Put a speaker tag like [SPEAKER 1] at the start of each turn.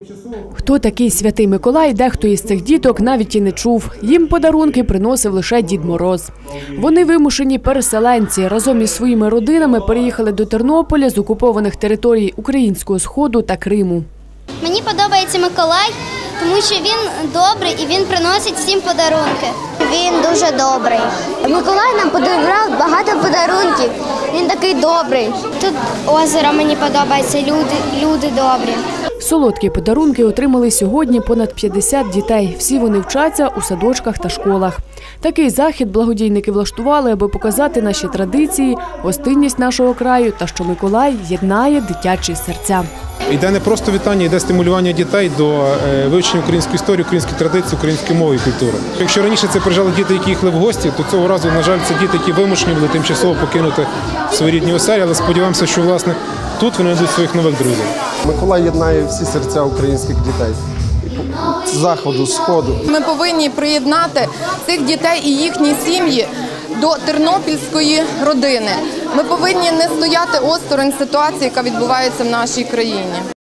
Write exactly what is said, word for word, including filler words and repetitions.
[SPEAKER 1] Хто такий Святий Миколай, дехто із цих діток навіть і не чув. Їм подарунки приносив лише Дід Мороз. Вони вимушені переселенці. Разом із своїми родинами переїхали до Тернополя з окупованих територій Українського Сходу та Криму.
[SPEAKER 2] Мені подобається Миколай, тому що він добрий і він приносить всім подарунки. Він дуже добрий. Миколай нам подарував багато подарунків. Він такий добрий. Тут озеро мені подобається, люди, люди добрі.
[SPEAKER 1] Солодкі подарунки отримали сьогодні понад п'ятдесят дітей. Всі вони вчаться у садочках та школах. Такий захід благодійники влаштували, аби показати наші традиції, гостинність нашого краю та що Миколай єднає дитячі серця.
[SPEAKER 3] Йде не просто вітання, йде стимулювання дітей до вивчення української історії, української традиції, української мови і культури. Якщо раніше це приїжджали діти, які їхали в гості, то цього разу, на жаль, це діти, які вимушені були тимчасово покинути свої рідні оселі, але сподіваємося, що, власне, тут вони знайдуть своїх нових друзів.
[SPEAKER 4] Миколай єднає всі серця українських дітей. З заходу, з сходу.
[SPEAKER 5] Ми повинні приєднати цих дітей і їхні сім'ї до тернопільської родини. Ми повинні не стояти осторонь ситуації, яка відбувається в нашій країні.